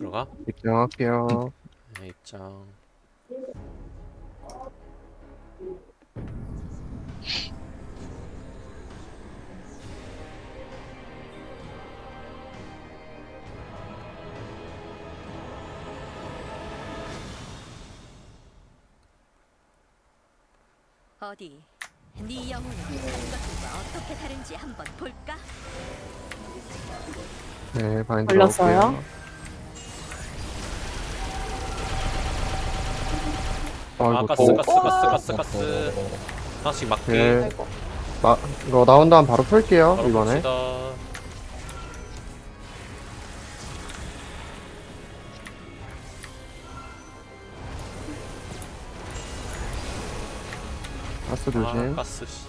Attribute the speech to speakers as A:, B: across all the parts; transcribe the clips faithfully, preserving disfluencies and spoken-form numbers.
A: 들어가.
B: 입장할게요.
A: 네, 입장.
C: 어디 네 영혼은 다른 것들과 어떻게 다른지 한번 볼까?
B: 네, 바인드
D: 걸렸어요?
B: 넣을게요.
A: 아,
B: 아이고,
A: 가스,
B: 또.
A: 가스, 가스, 가스, 가스. 하나씩 맞기.
B: 네,
D: 아이고.
B: 마, 이거 나온 다음 바로 풀게요,
A: 바로
B: 이번에.
A: 봅시다.
B: 가스
A: 아,
B: 조심.
A: 가스. 씨.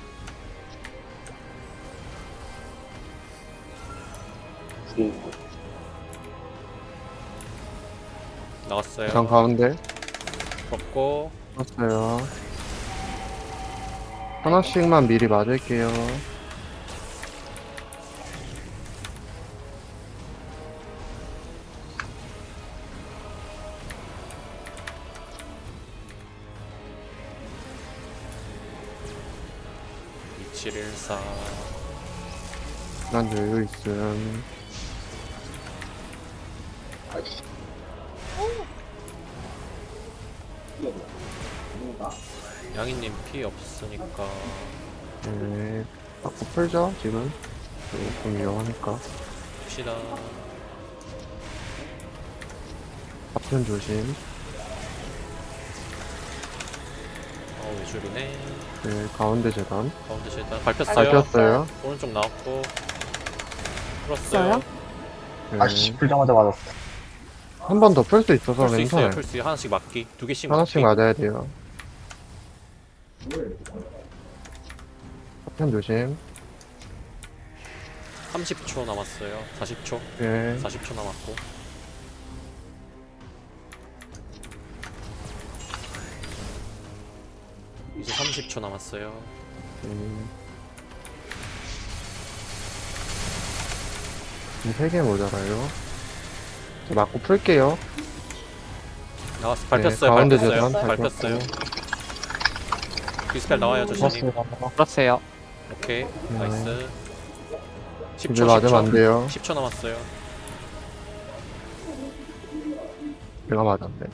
A: 나왔어요.
B: 장 가운데.
A: 걷고.
B: 풀었어요. 하나씩만 미리 맞을게요.
A: 이칠일사.
B: 난 여유 있음.
A: 양이님 피 없으니까.
B: 네, 자꾸 풀죠, 지금. 네, 좀 위험하니까.
A: 봅시다.
B: 앞편 조심.
A: 어, 외줄이네.
B: 네, 가운데 재단.
A: 가운데 실단 밟혔어요.
B: 밟혔어요.
A: 오른쪽 나왔고. 풀었어요.
D: 써요?
B: 네.
E: 아씨 풀자마자 맞았어.
B: 한 번 더 풀 수 있어서
A: 풀 수 있어요.
B: 괜찮아요.
A: 풀 수 있어요. 하나씩 맞기. 두 개씩
B: 하나씩
A: 맞기.
B: 맞아야 돼요. 앞편 조심.
A: 삼십 초 남았어요. 사십 초.
B: 네.
A: 사십 초 남았고. 이제 삼십 초 남았어요.
B: 음. 세 개 모자라요. 이제 맞고 풀게요.
A: 나왔어. 밟혔어요.
B: 네, 가운데
A: 밟혔어요.
B: 재단
A: 밟혔어요.
B: 밟혔고.
A: 디스펠 나와요, 조심님.
E: 풀었어요.
A: 오케이. 나이스. 십 초,
B: 이제 맞으면
A: 십 초.
B: 안 돼요.
A: 십 초 남았어요.
B: 내가 맞았네.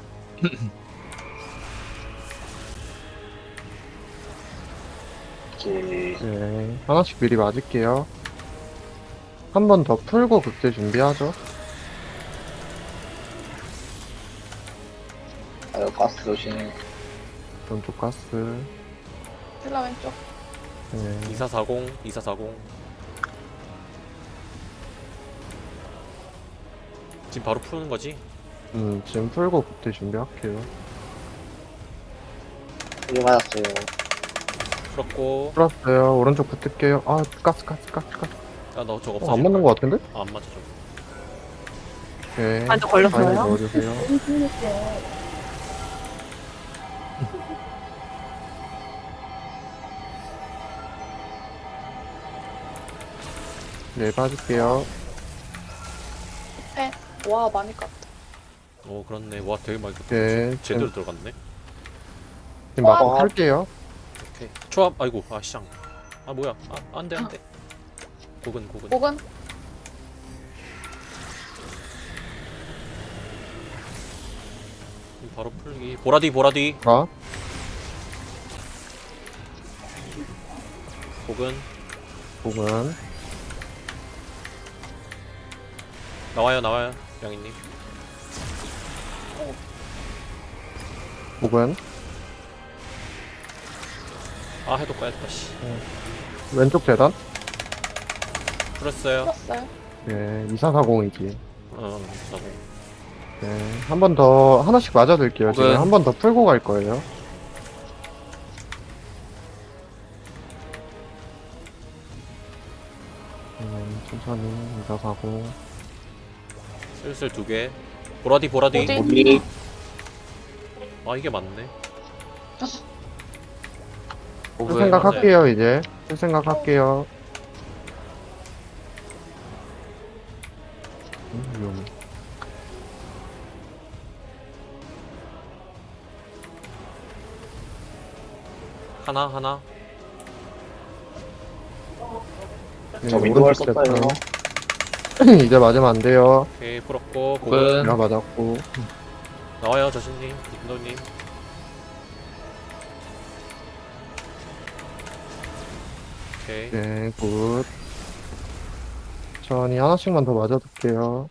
B: 네. 하나씩 미리 맞을게요. 한 번 더 풀고 극대 준비하죠.
E: 아유 가스 조심.
B: 왼쪽 가스.
D: 힐라 왼쪽.
B: 네.
A: 이사사공, 이사사공. 지금 바로 푸는 거지?
B: 음, 지금 풀고 극대 준비할게요.
E: 이게 맞았어요.
A: 풀었고.
B: 풀었어요. 오른쪽 붙을게요. 아, 가스, 가스, 가스, 가스.
A: 아, 너 저거
B: 어,
A: 없어질
B: 안 맞는 것 같은데?
A: 아, 안 맞아, 저거.
B: 네.
D: 아, 저 걸렸어요?
B: 바인드 넣어주세요. 네, 빠질게요.
D: 네. 와, 많이 깠다.
A: 오, 그렇네. 와, 되게 많이
B: 네,
A: 제대로 들어갔네.
B: 지금 맞고
E: 와.
B: 풀게요.
A: 오케이. 초합, 아이고, 아, 시장. 아, 뭐야. 아, 안 돼, 안 돼. 고근, 고근.
D: 목은?
A: 바로 풀기. 보라디, 보라디.
B: 아,
A: 고근.
B: 복은.
A: 나와요, 나와요. 양이님.
B: 복은.
A: 아, 해도 까야겠다, 씨.
B: 왼쪽 재단.
A: 풀었어요.
D: 풀었어요.
B: 네, 이사사공이지.
A: 어, 사공.
B: 네, 한 번 더, 하나씩 맞아둘게요. 지금
E: 복은.
B: 한 번 더 풀고 갈 거예요. 음, 천천히, 이사사공.
A: 슬슬 두 개. 보라디, 보라디.
D: 어디?
E: 우리
A: 아, 이게 맞네.
B: 풀 생각할게요, 이제. 풀 생각할게요. 음, 위험해.
A: 하나 하나.
E: 저
B: 네,
E: 윈도우를
B: 오른쪽
E: 썼어요.
B: 됐다. 이제 맞으면 안 돼요.
A: 오케이 풀었고
E: 끈.
A: 고근
B: 내가 맞았고.
A: 나와요 저신님 김도님. 오케이.
B: 네, 굿. 천천히 하나씩만 더 맞아둘게요.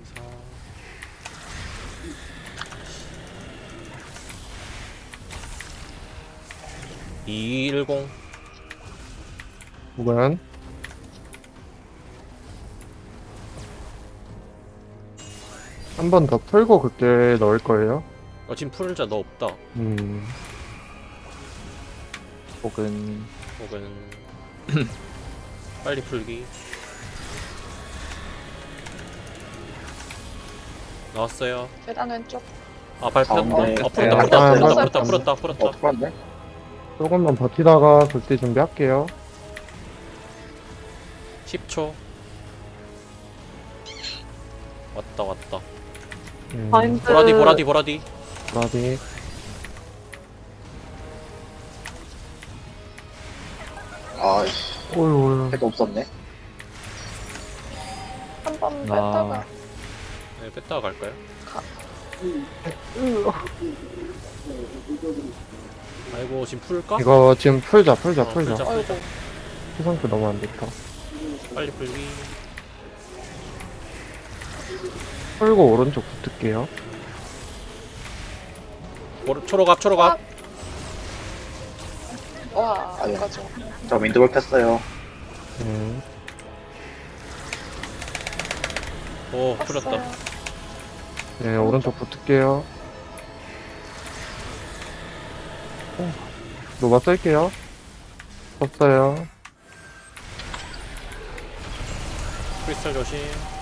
A: 이일공.
B: 구간. 한 번 더 풀고 그때 넣을 거예요.
A: 어 지금 풀자 너 없다.
B: 음,
E: 혹은
A: 혹은 빨리 풀기. 나왔어요.
D: 계단 왼쪽.
A: 아 발표했다.
E: 가운데.
A: 아 풀었다
E: 네,
A: 풀었다
B: 아,
A: 풀었다
B: 맞-
A: 풀었다 풀었다 풀었다.
E: 어 풀었네?
B: 조금만 버티다가 그때 준비할게요.
A: 십 초. 왔다 왔다.
B: 음,
D: 바인드.
A: 보라디 보라디 보라디.
B: 라디.
E: 아이씨
B: 오유,
E: 해도 없었네.
D: 한 번
E: 아.
D: 뺐다가.
A: 네, 뺐다가 갈까요? 아이고 지금 풀까?
B: 이거 지금 풀자, 풀자,
A: 어,
B: 풀자.
A: 풀자.
D: 아이고.
B: 그 상태 너무 안 좋다.
A: 빨리 풀기.
B: 풀고 오른쪽 붙을게요.
A: 오, 초록앞 초록앞.
D: 와,
E: 아니야.
D: 여기까지.
E: 저 윈도우를 폈어요.
B: 음,
A: 오 풀렸다.
D: 뺐어요.
B: 네, 오른쪽 붙을게요. 어, 노바 쓸게요. 썼어요.
A: 크리스탈 조심.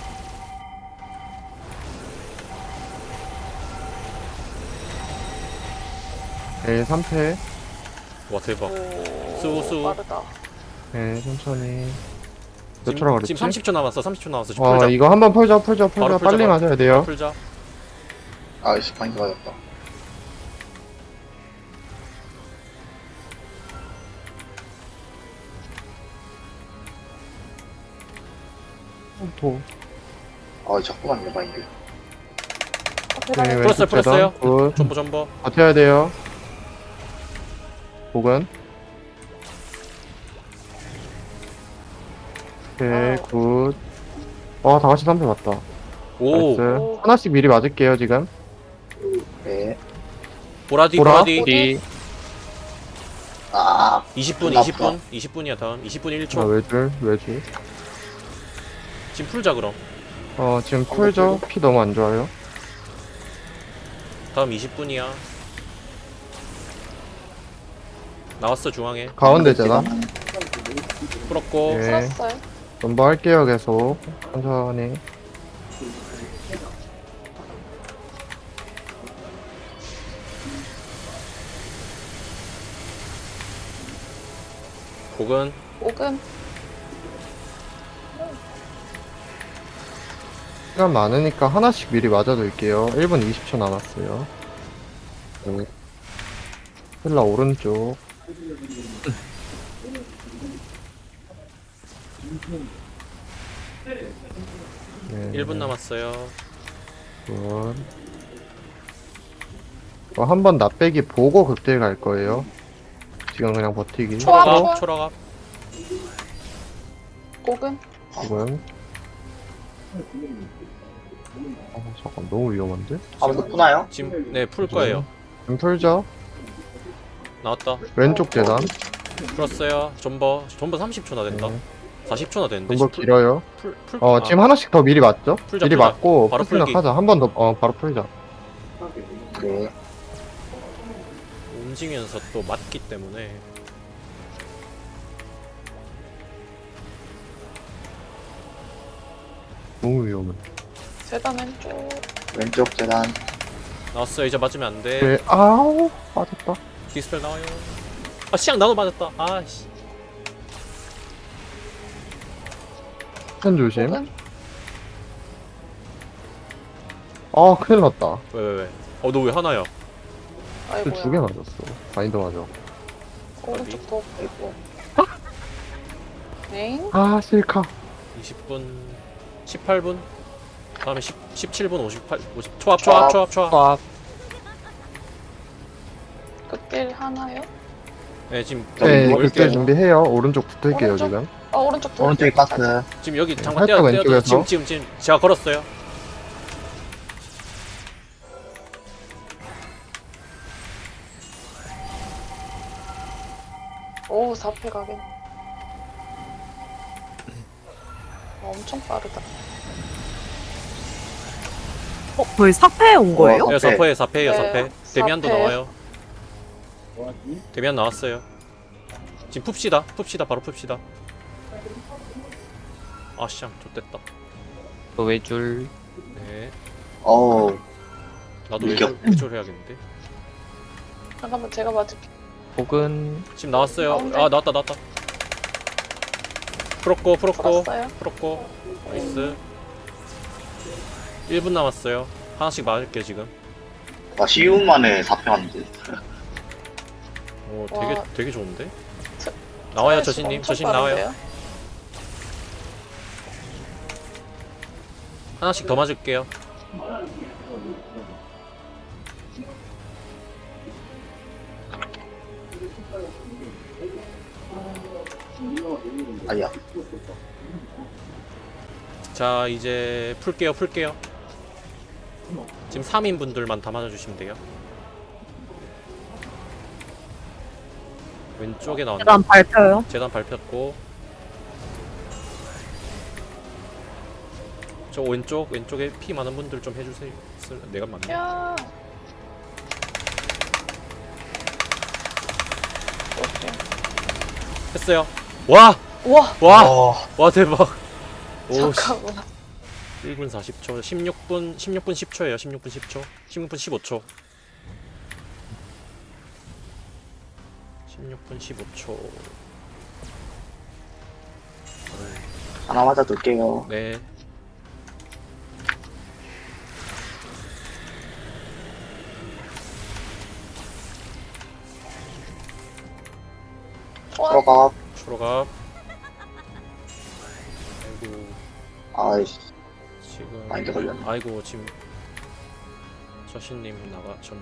B: 네, 삼 패.
A: 와 대박.
D: 오,
A: 수, 수.
D: 빠르다.
B: 네, 천천히. 몇
A: 지금,
B: 초라 그랬지?
A: 지금 삼십 초 남았어. 삼십 초 남았어. 지금
B: 와,
A: 풀자.
B: 이거 한번 풀자, 풀자, 풀자.
A: 바로 풀자,
B: 빨리
A: 바로.
B: 맞아야 돼요.
A: 풀자.
E: 아이씨 바인드 맞았다.
B: 도.
E: 아 자꾸만 내 바인드.
D: 어, 계단
B: 네,
D: 왼쪽.
A: 풀었어요,
B: 왼쪽
A: 풀었어요.
B: 계단. 굿.
A: 전보 전보.
B: 버텨야 돼요. 복은. 오케이,
D: 아우.
B: 굿. 와, 다 같이 삼 패 맞다.
A: 오
B: 나이스.
D: 오.
B: 하나씩 미리 맞을게요, 지금.
E: 네.
A: 보라디
B: 보라.
A: 보라디.
D: 어디?
E: 아
A: 이십 분
E: 끝났다.
A: 이십 분 이십 분이야 다음. 이십 분 일
B: 아,
A: 초.
B: 외줄, 외줄.
A: 지금 풀자 그럼.
B: 어, 지금 풀죠? 피 너무 안 좋아요.
A: 다음 이십 분이야. 나왔어 중앙에.
B: 가운데 재단.
A: 풀었고.
B: 예.
D: 풀었어요.
B: 넘버 할게요, 계속. 천천히.
A: 곡은
D: 옥은.
B: 시간 많으니까 하나씩 미리 맞아둘게요. 일 분 이십 초 남았어요. 네. 힐라 오른쪽. 네.
A: 일 분 남았어요.
B: 굿. 어, 한번 납배기 보고 극딜 갈 거예요. 지금 그냥 버티기.
D: 초합.
A: 초록앞 초록앞.
D: 옥은.
B: 지금. 어, 잠깐 너무 위험한데?
E: 아무도 푸나요?
A: 지금 네 풀 거예요.
B: 지금 풀죠?
A: 나왔다.
B: 왼쪽 재단.
A: 풀었어요. 전버 전버 삼십 초나 된다.
B: 네.
A: 사십 초나 되는데.
B: 좀더
A: 지금
B: 길어요.
A: 풀, 풀,
B: 어,
A: 아,
B: 지금 하나씩 더 미리 맞죠?
A: 풀자,
B: 미리
A: 풀자.
B: 맞고,
A: 바로
B: 풀
A: 풀기.
B: 생각하자. 한 번 더, 어, 바로 풀자.
E: 네.
A: 움직이면서 또 맞기 때문에.
B: 너무 위험해.
D: 계단 왼쪽.
E: 왼쪽 재단.
A: 나왔어요. 이제 맞으면 안 돼.
B: 네, 아우, 빠졌다.
A: 디스펠 나와요. 아 시장 나도 맞았다. 아씨.
B: 편 조심.
D: 옥은.
B: 아, 큰일 났다.
A: 왜 왜 왜? 어 너 왜 하나야?
D: 아이고야.
B: 두 개 맞았어. 바인더 맞아.
D: 오른쪽 더 있고. 네.
B: 아, 실카.
A: 이십 분, 십팔 분. 다음에 십, 십칠 분 오십팔, 오십. 초합, 초합, 초합, 초합.
F: 수학.
D: 극딜 하나요?
A: 네, 지금
B: 네,
A: 여기
B: 그때
A: 올게요.
B: 준비해요. 오른쪽 붙을게요,
D: 오른쪽?
B: 지금.
D: 어, 오른쪽 더.
E: 오른쪽에 가스.
A: 지금 여기
B: 네,
A: 잠깐
B: 살짝
A: 떼어, 떼어,
B: 왼쪽에서.
A: 지금, 지금, 지금 제가 걸었어요.
D: 오, 사 패 가긴. 어, 엄청 빠르다.
G: 어, 거의 사패에 온 거예요?
E: 어,
A: 네,
E: 사패.
A: 사패, 사패예요,
D: 네,
A: 사패. 데미안도
D: 사패.
A: 나와요. 데미안 나왔어요. 지금 풉시다, 풉시다, 바로 풉시다. 아씨앙, 좋됐다.
F: 또 외줄.
A: 네,
E: 어우,
A: 나도
E: 이겨.
A: 외줄, 외줄 해야겠는데.
D: 잠깐만, 제가 맞을게.
F: 혹은
A: 지금 나왔어요.
D: 가운데.
A: 아, 나왔다, 나왔다. 풀었고, 풀었고,
D: 풀었어요.
A: 풀었고. 나이스. 일 분 남았어요. 하나씩 맞을게요, 지금.
E: 나 쉬운 만에 사 패 왔는데.
A: 오, 되게,
D: 와.
A: 되게 좋은데?
D: 저-
A: 나와요,
D: 스트레스
A: 저신님.
D: 엄청
A: 저신 나와요.
D: 빠른데요?
A: 하나씩 더 맞을게요.
E: 아니야.
A: 자, 이제 풀게요, 풀게요. 지금 삼 인분들만 다 맞아주시면 돼요. 왼쪽에 나왔네.
G: 계단 밟혀요.
A: 재단 밟혔고. 저 왼쪽, 왼쪽에 피 많은 분들 좀 해주세요. 쓸- 내가 맞네.
D: 야. 오케이.
A: 했어요. 와!
D: 우와,
A: 와!
E: 어,
A: 와, 대박. 오, 씨.
D: 잠깐만.
A: 일 분 사십 초, 십육 분, 십육 분 십 초예요. 십육 분 십 초. 십육 분 십오 초. 십육 분 십오 초.
E: 하나 맞아둘게요.
A: 네.
D: 와,
E: 들어가.
A: 초록압. 아이고,
E: 아이씨,
A: 지금.
E: 마인드 걸렸네.
A: 아이고, 지금. 저신님 나가셨네.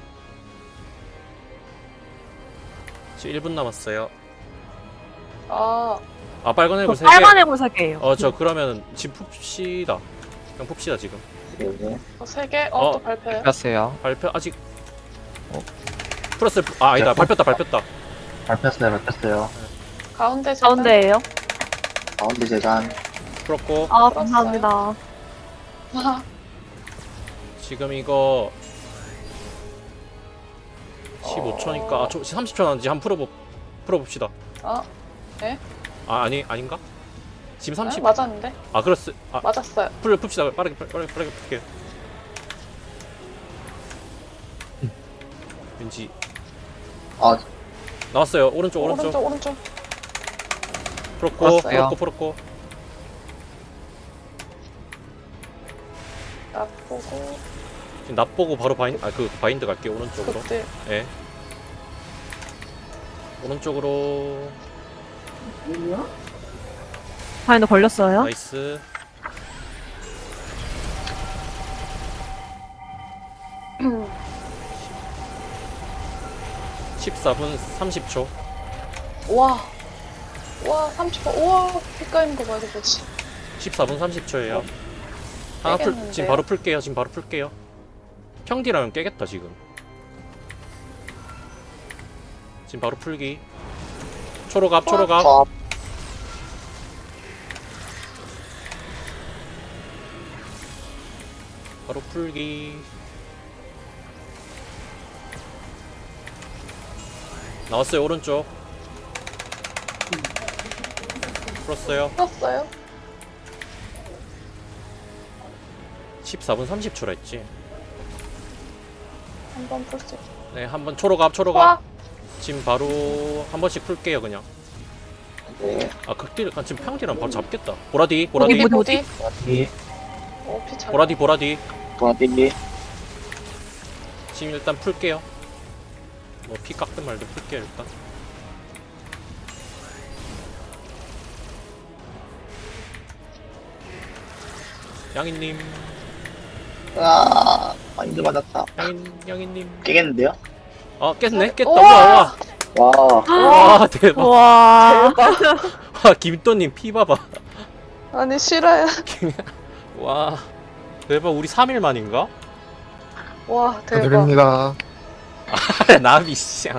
A: 지금 일 분 남았어요.
D: 아,
A: 아, 빨간
G: 저
A: 애고 세 개.
G: 빨간 애골 세 개예요.
A: 어, 저 그러면 지금 풉시다. 그냥 풉시다, 지금.
E: 네.
D: 어, 세 개? 어,
A: 어.
D: 또 발표요?
F: 뺐어요.
A: 발표 아직. 어? 풀었어요. 아, 아니다. 밟혔다, 밟혔다.
E: 밟혔어요, 밟혔어요.
D: 가운데 재단?
G: 가운데예요.
E: 가운데 재단.
A: 풀었고.
G: 아,
D: 풀었어요.
G: 감사합니다.
D: 아,
A: 지금 이거 십오 초니까 아, 저 삼십 초 남았는지 한번 풀어보 풀어봅시다.
D: 어?
A: 아, 아니 아닌가? 지금 삼십.
D: 네? 맞았는데?
A: 아, 그렇스. 아,
D: 맞았어요.
A: 풀 풉시다. 빠르게 빠르게 빠르게, 빠르게 풀게요. 왠지
E: 아,
A: 나왔어요. 오른쪽 오른쪽.
D: 오른쪽, 오른쪽.
A: 풀었고
F: 왔어요.
A: 풀었고 풀었고.
D: 나 보고,
A: 지금 납 보고 바로 바인 아그 바인드 갈게요. 오른쪽으로.
D: 극딜.
A: 예. 오른쪽으로.
G: 바인드 걸렸어요.
A: 나이스. 십사 분 삼십 초.
D: 와. 와, 삼십 분. 우와, 빛깔인 거 봐, 이거 뭐지?
A: 십사 분 삼십 초예요. 하나 풀,
D: 깨겠는데요?
A: 지금 바로 풀게요. 지금 바로 풀게요. 평디라면 깨겠다 지금. 지금 바로 풀기. 초록압, 초록압.
E: 팝.
A: 바로 풀기. 나왔어요 오른쪽. 풀었어요.
D: 풀었어요?
A: 십사 분 삼십 초라 했지.
D: 한번 풀 수 있어.
A: 네, 한번 초록압, 초록압.
D: 와,
A: 지금 바로 한 번씩 풀게요 그냥.
E: 네.
A: 아, 극딜, 아, 지금 평딜은 바로 잡겠다. 보라디, 보라디,
G: 어디,
D: 보디.
E: 보라디,
D: 어, 피 잘.
A: 보라디, 보라디.
E: 보라디.
A: 지금 일단 풀게요. 뭐 피 깎든 말든 풀게요 일단. 양이님,
E: 아, 마인드 맞았다.
A: 양인, 양이님.
E: 깨겠는데요?
A: 아, 깼네? 깼다.
D: 우와!
A: 우와,
E: 와,
A: 와. 와, 대박.
G: 와.
A: 와, 김또님 피 봐봐.
D: 아니 싫어요.
A: 와, 대박. 우리 삼 일 만인가?
D: 와 대박.
B: 축하드립니다.
A: 나비 쌍.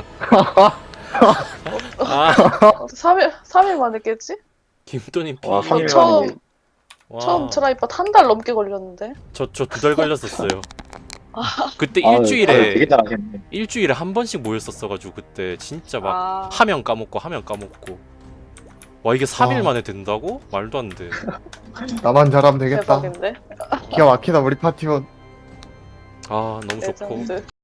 A: 아,
D: 삼 일 삼 일 만에 깼지?
A: 김또님 피.
E: 와, 삼 일
D: 처음-
E: 만에.
A: 와,
D: 처음 트라이팟 한 달 넘게 걸렸는데.
A: 저 저 두 달 걸렸었어요. 그때
E: 아유, 아유,
A: 일주일에
E: 되게 잘하셨네.
A: 일주일에 한 번씩 모였었어가지고 그때 진짜 막
D: 아,
A: 하면 까먹고 하면 까먹고. 와, 이게 삼 일
B: 아.
A: 만에 된다고? 말도 안 돼.
B: 나만 잘하면 되겠다.
D: 대박인데.
B: 기가 막히다 우리 파티원.
A: 아, 너무 좋고.
D: 레전드.